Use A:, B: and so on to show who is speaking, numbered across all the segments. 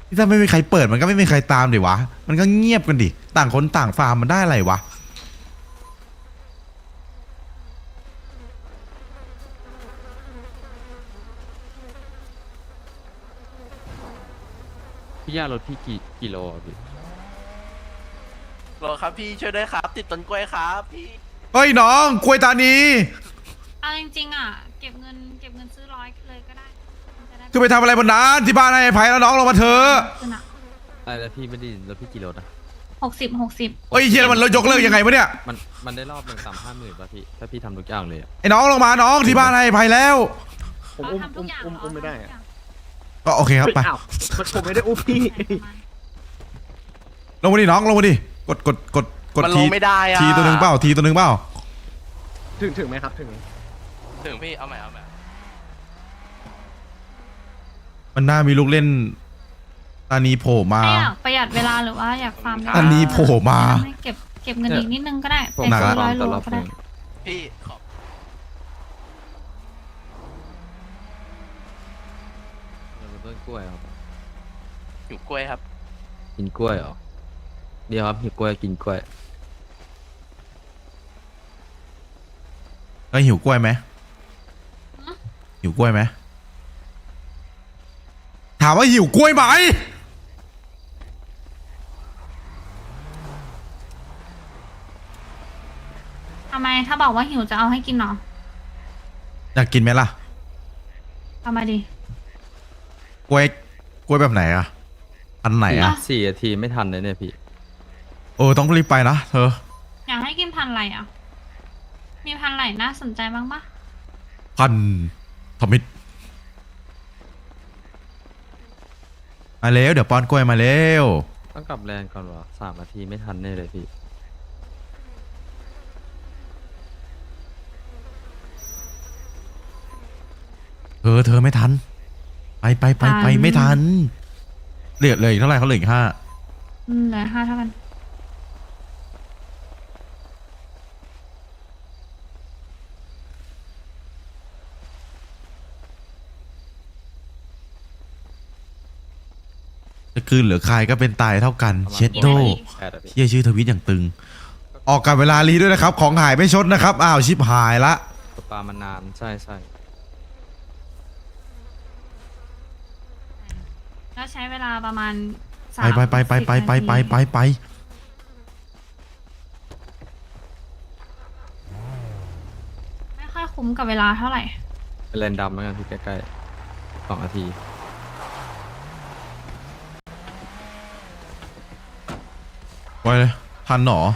A: ถ้าไม่มีใครเปิดมันก็ไม่มีใครตามดิวะมันก็เงียบกันดิต่างคนต่างฟาร์มมันได้อะไรวะ
B: พี่ย่ารถพี่กี่โลอะพี่
C: โหลครับพี่ช่วยด้วยครับ ติดต้นกล้วยครับพี่
A: เฮ้ยน้องกล้วยตานี
D: เอาจริงๆอ่ะเก็บเงินซื้อร้อยเลยก็ได้มันจะได้
A: คือไปทำอะไรบนนั้นที่บ้านให้ไอ้ไผ่แล้วน้องลงมาเถอะ
D: ขึ้นอ่ะ
B: อะไรแล้วพี่ไม่ได้รถพี่กี่โลนะ
D: 60
A: เฮ้ยเฮียแล้วมันยกเลิกยังไงวะเนี่ย
B: มันได้รอบหนึ่ง50,000ป่ะพี่ถ้าพี่ทำทุกอย่างเลยอะ
A: ไอ้น้องลงมาน้องที่บ้านให้ไอ้ไผ่แล้ว
E: ผมอุ้มไม่ได้อะ
A: ก็โอเคครับไป
E: อ้าวมันผมไม่ได้อุ้มพี่
A: ลงมาดิน้องลงมาดิกด
C: มันล
A: ที
C: งไม่ได้อะ
A: ทีตัวหนึ่งเปล่าทีตัวหนึ่งเปล่า
E: ถึงไหมครับถึงไหม
C: ถึงพี่เอาใหม่
A: มันน่ามีลูกเล่นตานีโผล่มา
D: ไม่อยากประหยัดเวลาหรือว่าอยากฟาร์มเวลา
A: อันนี้โผล่มา
D: ให้เก็บเงินอีกนิดนึงก็ได้
B: ผม
D: ไป
A: หนัก
D: ซื้
A: ละ
D: อร้อยโล
B: แต่รอบ
D: ก็
B: ห
D: ได้
B: นึ่ง
C: พี่ขอ
B: เป็นต้นกล้วยครับ
C: อยู่กล้วยครับ
B: กินกล้วยเหรอเดี๋ยวครับหิวกล้วยกินกล้วย
A: ก็หิวกล้วยไหมหิวกล้วยไหมถามว่าหิวกล้วยไหม
D: ทำไมถ้าบอกว่าหิวจะเอาให้กินเหรอ
A: อยากกินไหมล่ะ
D: เอามาดิ
A: กล้วยแบบไหนอะอันไหนอะ
B: 4 นาทีไม่ทันเลยเนี่ยพี่
A: ต้องรีบไปนะเธอ
D: อยากให้กินพันธุ์อะไรอ่ะมีพันธุ์ไหนน่าสนใจบ้างปะ
A: พันทมิตมาเร็วเดี๋ยวป้อนกล้วยมาเร็ว
B: ต้องกลับแลนด์ก่อนวะ3 นาทีไม่ทันแน่เลยพี่
A: เธอไม่ทันไปไม่ทันเหลือเลยเท่าไหร่เขาเหลืออีก5
D: เหลือ5เท่ากัน
A: จะคืนเหลือใครก็เป็นตายเท่ากัน
B: ประมาณ
A: เช็ดโด
B: 8อะพี่
A: เชี่ยชื่อทวิตอย่างตึง ออกกับเวลารีด้วยนะครับ ของหายไม่ชดนะครับอ้าวชิบหายละ
B: ตกปลามานานใช่
D: แล้วใช้เวลาประมาณ
A: ไปไม่
D: ค่อยคุ้มกับเวลาเท่าไหร่
B: เป็นแลนด์ดำแล้วกันพี่ใกล้ๆ2 นาที
A: ไปเลยทันหนอ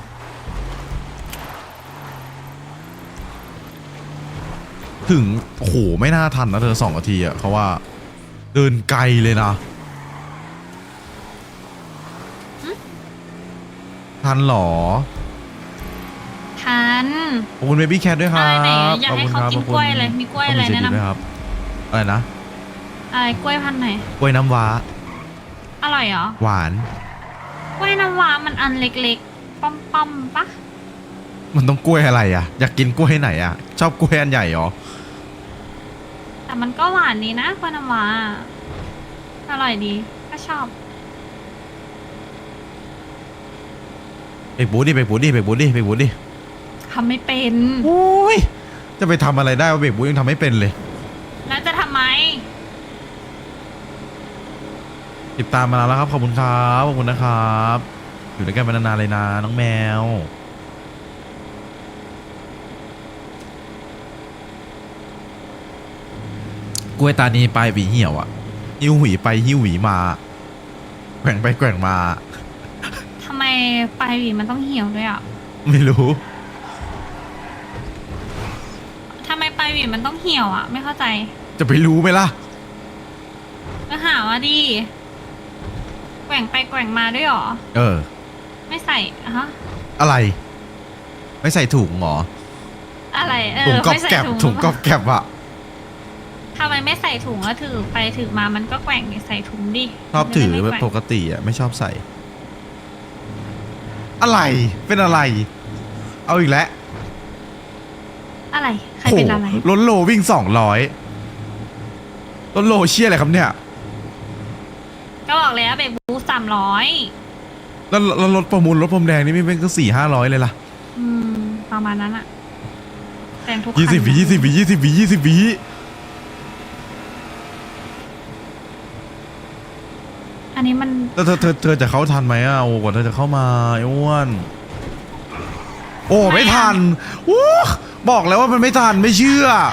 A: ถึงโอ้โหไม่น่าทันนะเธอ2 นาทีอะเขาว่าเดินไกลเลยนะทันหรอ
D: ทัน
A: ขอบคุณเบบี้แคทด้วยค
D: อะ
A: รับ
D: ไรไหนอยากให้เขากินกล้วยอะไรมีกล้วยอะไรแนะน
A: ด้วยครับอะไรนะ
D: ำอะไรกล้วยพันธุ์ไหน
A: กล้วยน้ำว้า
D: อร่อยเหรอ
A: หวาน
D: กล้วยน้ำว้ามันอันเล็กๆป้อมๆปะ
A: มันต้องกล้วยอะไรอ่ะอยากกินกล้วยไหนอ่ะชอบกล้วยอันใหญ่เหรอ
D: แต่มันก็หวานดีนะกล้วยน้ำว้าอร่อยดีก็ชอบ
A: ไปบูดดิ
D: ทำไม่เป็น
A: โอ้ยจะไปทำอะไรได้วะเบรกบูยังทำไม่เป็นเลย
D: แล้วจะทำไม
A: ติดตามมานานแล้วครับขอบคุณครับขอบคุณนะครับอยู่ด้วยกันมานานๆเลยนะน้องแมวกล้วยตานีไปหวีเหี่ยวอ่ะหิ้วหวีไปหิ้วหวีมาแกว่งไปแกว่งมา
D: ทำไมปลายหวีมันต้องเหี่ยวด้วยอ่ะ
A: ไม่รู้
D: ทำไมปลายหวีมันต้องเหี่ยวอ่ะ ไม่เข้าใจ
A: จะไปรู้ไหมล่ะ
D: ก็หาว่าดีแกว่งไปแกว่งมาด้วยเหรอ ไม่ใส่อะฮะ
A: อะไร ไม่ใส่ถุงเหรอ
D: อะไร
A: ถุงกอบ
D: ไม่ใส่
A: แก็บ
D: ถุ
A: ถุงกอบแก็บอะ
D: ทำไมไม่ใส่ถุงแล้วถือไปถือมามันก็แกว่งดิใส่ถุงดิ
A: ชอบถือ
D: มันจะ
A: แบ
D: ได้
A: บ
D: ไม่
A: ป
D: แกว่ง
A: กติอะไม่ชอบใส่ อะไรเป็นอะไร เอาอีกแล้ว
D: อะไรใครเป็นอะไร
A: โหล้นโลวิ่ง200ล้นโลเชี่ยอะไรครับเนี่ย
D: ก็บอกแล้วเบรกบูส300
A: แล้วรถประมูลรถพรมแดงนี่ไม่เป็นก็400-500เลยล่ะ
D: ประมาณนั้นอะแต่งทุกคัน
A: 20 วิ
D: อันนี้มัน
A: แล้วเธอจะเข้าทันไหมอ่ะโอ้กว่าเธอจะเข้ามาไอ้อ้วนโอ้ไม่ทันอู้บอกแล้วว่ามันไม่ทันไม่เชื่อ